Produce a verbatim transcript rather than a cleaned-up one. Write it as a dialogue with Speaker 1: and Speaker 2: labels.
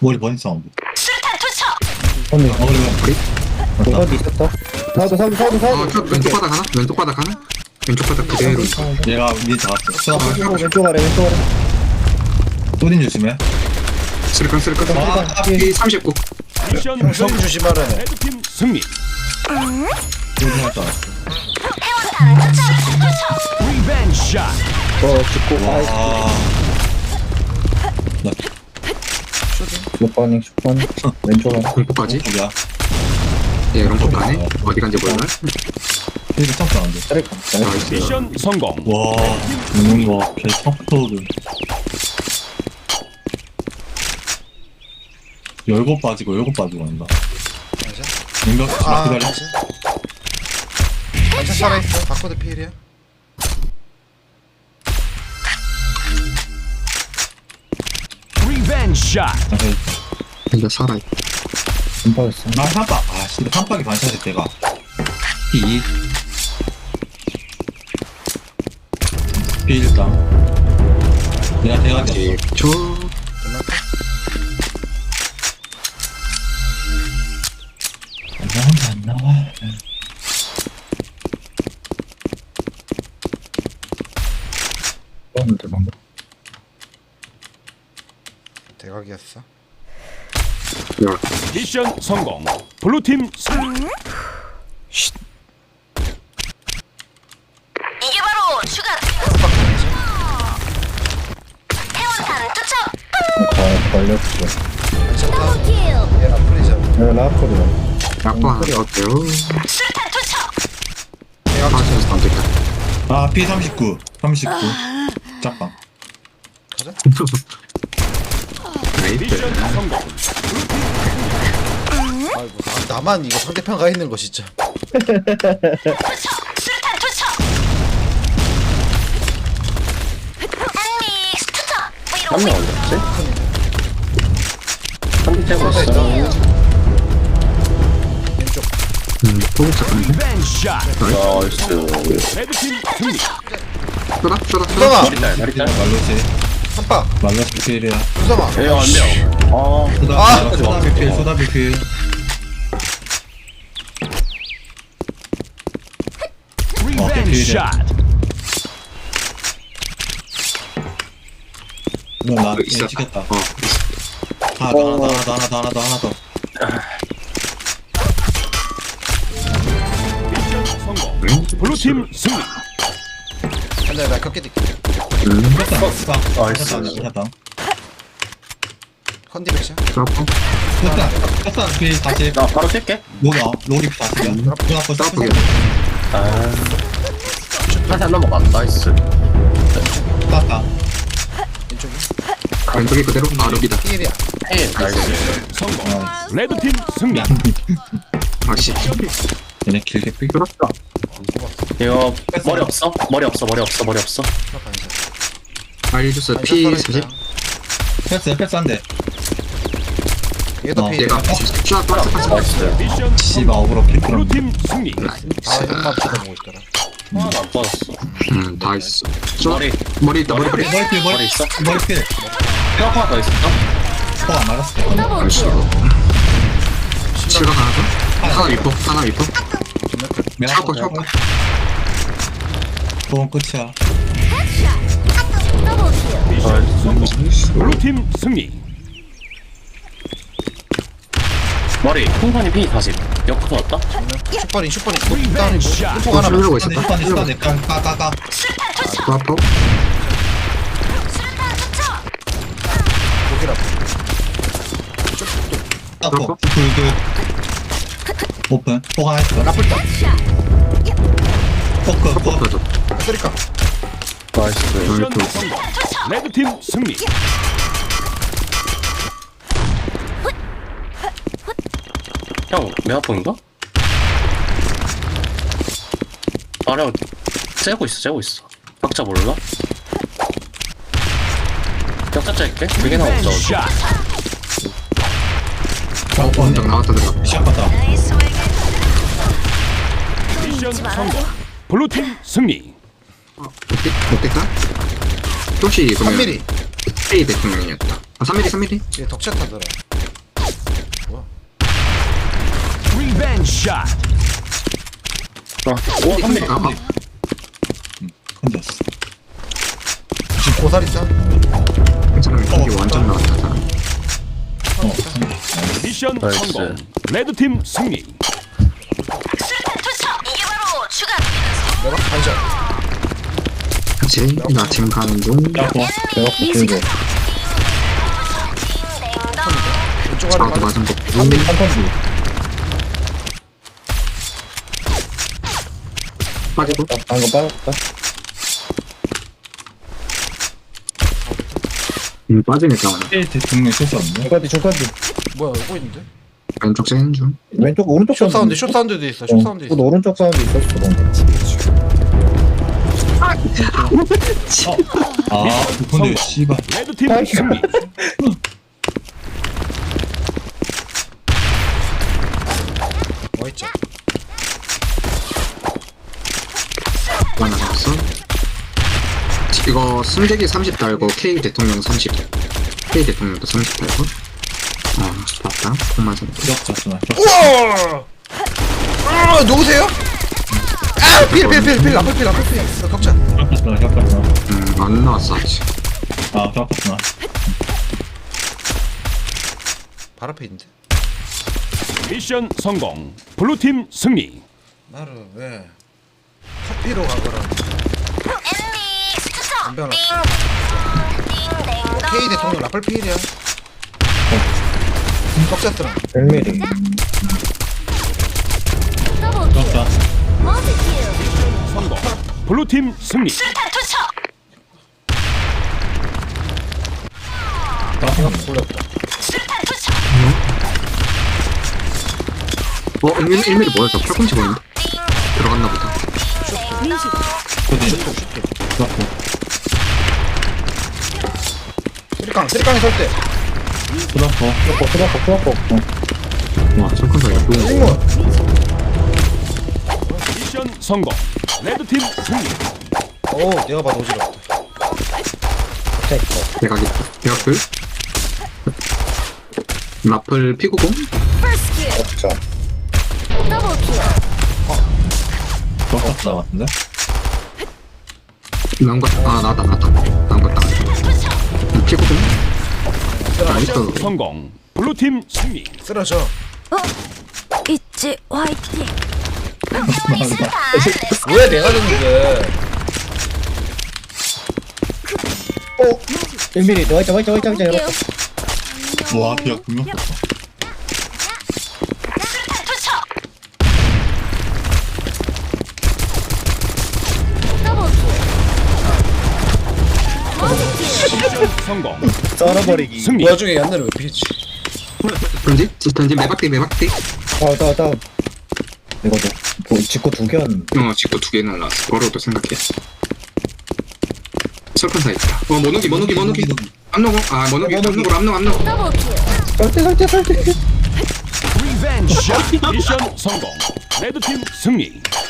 Speaker 1: 머리 버린 사운드.
Speaker 2: 수류탄 투척.
Speaker 3: 언니
Speaker 1: 어, 그래, 머리.
Speaker 3: 어디 있었다? 사우드 사우드 사우드
Speaker 4: 어,
Speaker 3: 사우드
Speaker 4: 저 왼쪽 바닥 하나? 왼쪽 바닥 하나? 왼쪽 바닥 그대로.
Speaker 1: 얘가 니 잡았어. 수납.
Speaker 3: 왼쪽 왼쪽 아래 왼쪽 아래
Speaker 1: 소린 조심해.
Speaker 4: 쓸까 쓸까?
Speaker 1: 아,
Speaker 4: 피 삼십구.
Speaker 5: 미션
Speaker 3: 형 성
Speaker 5: 성공.
Speaker 3: 조심하래
Speaker 5: 레드팀 승리.
Speaker 1: 소린 할줄 알았어.
Speaker 2: 해원탄 투척. 투척.
Speaker 5: 리벤지 샷.
Speaker 3: 어 죽고 아이
Speaker 1: 와. 나
Speaker 3: 슈퍼닝 슈퍼닝 왼쪽 아래
Speaker 4: 공포까지?
Speaker 1: 공폭이야.
Speaker 4: 예, 롱포 가네. 어디 간지 몰라.
Speaker 1: 되게 점프 안 돼.
Speaker 3: 트랙
Speaker 4: 나이스.
Speaker 5: 미션 성공.
Speaker 1: 와, 죽는 거, 개 턱턱은. 열고 빠지고, 열고 빠지고 한다. 인격, 아, 기다려.
Speaker 6: 반샷 살아있어. 바코드 피일이야.
Speaker 5: 리벤지 샷.
Speaker 1: 자세히.
Speaker 4: 이제 살아있다.
Speaker 3: 음파였어
Speaker 1: 아, 삼박. 아, 씨, 삼박이 반샷일 때가. 피. 피 일단. 내가 대가지.
Speaker 4: 저
Speaker 1: 안 나온다, 안 나와.
Speaker 3: 그런데 방금
Speaker 6: 대각이었어.
Speaker 5: 미션 성공. 블루팀 승리.
Speaker 2: 이게 바로 추가. 해원탄 투척.
Speaker 3: 가 걸렸어
Speaker 6: 반샷 다운.
Speaker 2: 킬.
Speaker 6: 얘 라플이잖아.
Speaker 3: 네 라커리야
Speaker 4: 약보 하나 어때요?
Speaker 2: 수류탄 투척.
Speaker 4: 파스에서 던질까?
Speaker 1: 아, 피 삼십구. 삼십구. 짝방.
Speaker 4: 나이스.
Speaker 5: 미션 성공.
Speaker 6: 아이고 나, 나만 이거 상대편 가 있는 거 진짜.
Speaker 2: 투척. 수류탄 투척. 한믹스 투척. 뭐 이런 거.
Speaker 3: 한대 째고
Speaker 6: 쏘다
Speaker 3: 있어
Speaker 6: 있다. 왼쪽.
Speaker 4: 음, 포기 잠깐만.
Speaker 5: 리벤지 샷.
Speaker 3: 나이스
Speaker 5: 레드팀 승리.
Speaker 4: 쏘다 쏘다
Speaker 6: 수성아.
Speaker 4: 쏘다.
Speaker 3: 머리달
Speaker 1: 말로시.
Speaker 6: 한파.
Speaker 1: 말로시 피일이야.
Speaker 6: 수성아.
Speaker 3: 에어 안돼요 아
Speaker 1: 소다,
Speaker 6: 아!
Speaker 1: 소다 비필, 소다 비필.
Speaker 5: 리벤지 샷.
Speaker 1: 이거 나
Speaker 4: 어, 있어.
Speaker 1: 지켰다.
Speaker 4: 어, 있어.
Speaker 1: 하나 더, 하나 더, 하나 더, 하나 더, 하나 더.
Speaker 5: 미션 성공.
Speaker 4: 응?
Speaker 5: 블루팀 승리.
Speaker 6: 한대 나 격게 뛸게.
Speaker 4: 음,
Speaker 1: 됐다, 됐다.
Speaker 3: 나이스.
Speaker 1: 됐다, 됐다.
Speaker 6: 컨디 백샷.
Speaker 4: 드랍포.
Speaker 1: 됐다, 됐다. 피 다시.
Speaker 3: 나 바로 뛸게
Speaker 1: 로기, 어, 로기 피 다시야.
Speaker 4: 음.
Speaker 1: 눈 아파,
Speaker 4: 드랍포게.
Speaker 3: 아 다시 안 넘어가 나이스
Speaker 1: 땄다.
Speaker 6: 왼쪽이.
Speaker 4: 왼쪽이 그대로. 아, 럭이다.
Speaker 6: 피일이야.
Speaker 3: 에이 나이스
Speaker 5: 성공.
Speaker 1: 아,
Speaker 5: 레드팀 승리.
Speaker 1: 야,
Speaker 4: 아씨.
Speaker 1: 얘네 길게 삐.
Speaker 4: 뚫었어.
Speaker 3: 이거 머리 없어? 머리 없어 머리 없어 머리 없어
Speaker 6: 하나 반샷.
Speaker 4: 알려줬어.
Speaker 6: 반샷
Speaker 4: 피
Speaker 6: 살아있다.
Speaker 4: 사십.
Speaker 1: 패스, 패스 한 대.
Speaker 6: 얘도
Speaker 1: 어,
Speaker 6: 피일이야.
Speaker 4: 얘가 쫙 박스 박스.
Speaker 3: 나이스
Speaker 5: 미션
Speaker 1: 씨발, 어그로 킬 풀었네.
Speaker 5: 블루팀 승리.
Speaker 6: 아 형만 쳐다보고 있더라.
Speaker 3: 하나도 안 빠졌어
Speaker 4: 음, 다 있어. 쏘.
Speaker 3: 머리
Speaker 4: 머리 있다. 머리 머리.
Speaker 1: 머리 필, 머리
Speaker 3: 머리 있어?
Speaker 1: 머리 필.
Speaker 3: 뼈 하나 더 있어
Speaker 1: 포안 맞았어.
Speaker 4: 아이씨. 실각 하나 더. 하나 위포. 하나 위포. 차고 차고.
Speaker 1: 그건 끝이야.
Speaker 5: 미션 성공. 블루팀 승리.
Speaker 3: 머리 풍선이 피 사십 옆부터 왔다?
Speaker 6: 슈퍼링 슈퍼링.
Speaker 5: 리벤지 샷.
Speaker 6: 슈퍼 하나.
Speaker 4: 흐르고
Speaker 1: 슈퍼네,
Speaker 4: 있었다.
Speaker 1: 슈퍼네, 슈퍼네. 까, 까, 까, 까.
Speaker 2: 수류탄 투척.
Speaker 4: 드랍포.
Speaker 2: 수류탄 투척.
Speaker 6: 고기라.
Speaker 1: 땄고. 그, 그. 오픈. 포가 하나 있어.
Speaker 6: 라플 딱.
Speaker 1: 포크, 포크.
Speaker 4: 퍼져.
Speaker 6: 쓰리카.
Speaker 3: 나이스
Speaker 5: 미션 성공. 레드팀 승리.
Speaker 3: 형 메가폰인가? 아래 째고 있어 째고 있어 박자 몰라? 격자 짤게 두 개나 없어
Speaker 5: 리벤지 샷.
Speaker 1: 어, 어,
Speaker 4: 원정 나왔다 들어가.
Speaker 1: 시작했다.
Speaker 2: 나이스 웨이.
Speaker 5: 미션 성공. 블루팀 승리.
Speaker 4: 어때? 어땠다? 혹시
Speaker 6: 삼
Speaker 4: 그러면
Speaker 6: 밀리.
Speaker 4: A 대통령이었다. 아, 삼 밀리 삼 밀리?
Speaker 6: 얘 덕샷 하더라.
Speaker 5: 리벤지 샷.
Speaker 3: 오, 한 미리.
Speaker 4: 아, 아,
Speaker 1: 혼자였어.
Speaker 6: 지금 고사리 짜?
Speaker 4: 괜찮아. 이게 완전 나왔다. 자.
Speaker 1: 어,
Speaker 5: 미션
Speaker 3: 나이스.
Speaker 5: 성공. 레드팀 승리.
Speaker 2: 수류탄 투척. 이게 바로 주간.
Speaker 6: 내가 반샷.
Speaker 4: 그치? 나 지금 가는 중.
Speaker 1: 야, 뭐, 내가 보여줘.
Speaker 6: 왼쪽 아래
Speaker 4: 나도
Speaker 6: 맞아.
Speaker 4: 맞은 거.
Speaker 1: 한 번, 한 번.
Speaker 4: 빠지고.
Speaker 1: 방금 빠졌다.
Speaker 4: 음, 빠지니까.
Speaker 1: 일 대통령 실수 없네.
Speaker 7: 중간뒤 중간뒤
Speaker 6: 뭐야 이거 있는데?
Speaker 4: 왼쪽 쟤는 중.
Speaker 7: 왼쪽 오른쪽
Speaker 6: 숏 사운드
Speaker 7: 있는데?
Speaker 6: 숏 사운드도 있어 숏 사운드
Speaker 7: 어,
Speaker 6: 있어.
Speaker 7: 또 오른쪽 사운드 있었어
Speaker 1: 아, 근데 씨발.
Speaker 5: 레드팀
Speaker 7: 아이고.
Speaker 5: 승리.
Speaker 6: 뭐 있죠?
Speaker 4: 하나 남았어. 이거 승재기 삼십 달고 K 대통령 삼십. K 대통령도 삼십 달고. 어, 봤다. 콩 맞은 거.
Speaker 1: 기억자잖아.
Speaker 6: 우와! 아 누구세요? 아! 필필필필 앞에 필 앞에 필 어, 격자.
Speaker 1: 기억자잖아, 기억자잖아.
Speaker 4: 음, 안 나왔어, 아직.
Speaker 1: 아, 기억자잖아.
Speaker 6: 발 앞에 있는데?
Speaker 5: 미션 성공. 블루팀 승리.
Speaker 6: 나를 왜 커피로 가거라.
Speaker 2: 엔믹스 투척.
Speaker 6: 담배
Speaker 2: 띵.
Speaker 6: 하나.
Speaker 2: 띵.
Speaker 6: K 대통령 라플 필이야. 격자 뜨라.
Speaker 7: 백 밀리
Speaker 1: 기억자.
Speaker 5: 성공. 블루팀 승리.
Speaker 2: 수류탄 투척.
Speaker 6: 돌렸다.
Speaker 2: 수류탄 투척.
Speaker 4: 어, 일 밀리, 일 밀리 뭐였어? 팔꿈치 보이는데? 들어갔나 보다.
Speaker 1: 그지?
Speaker 6: 슛도
Speaker 1: 기억자.
Speaker 6: 쓰리깡 쓰리깡에 설 때.
Speaker 1: 그렇고.
Speaker 7: 수박고 수박고 수박고 어.
Speaker 4: 와, 철컨사 이거 좋은 거.
Speaker 6: 승무.
Speaker 5: 미션 성공. 레드팀 승리.
Speaker 6: 오 내가 봐도 어지럽다.
Speaker 4: 대각이, 대각풀. 라플 피구공?
Speaker 7: 없죠
Speaker 1: 기억자 같은데?
Speaker 4: 나온 거, 아, 나왔다, 나왔다. 나온 거 딱. 피구공? 나이스.
Speaker 5: 성공. 블루팀 승리.
Speaker 6: 쓰러져.
Speaker 2: 있지 화이팅.
Speaker 6: 왜 내가 졌는데?
Speaker 7: 백 밀리 너 있자 와 있자 와 있자 와 있자 열었다
Speaker 1: 와, 기억 분명 썼어.
Speaker 2: 수류탄 투척.
Speaker 5: 미션 성공.
Speaker 7: 썰어버리기
Speaker 5: 승리.
Speaker 6: 그 와중에 얀나를 왜 피했지?
Speaker 4: 던지? 던지 매박대, 매박대.
Speaker 7: 다운 다운 다운 이거 뭐 직구 두 개였는데
Speaker 4: 어, 직도 두 개 날라왔어. 버려도 생각해. 철컨사 있다. 어, 모노기, 모노기, 모노기. 암노고, 아, 모노기, 암노고, 암노고, 암노고.
Speaker 7: 설대 설대 설대
Speaker 5: 리벤지 샷. 미션 성공. 레드팀 승리.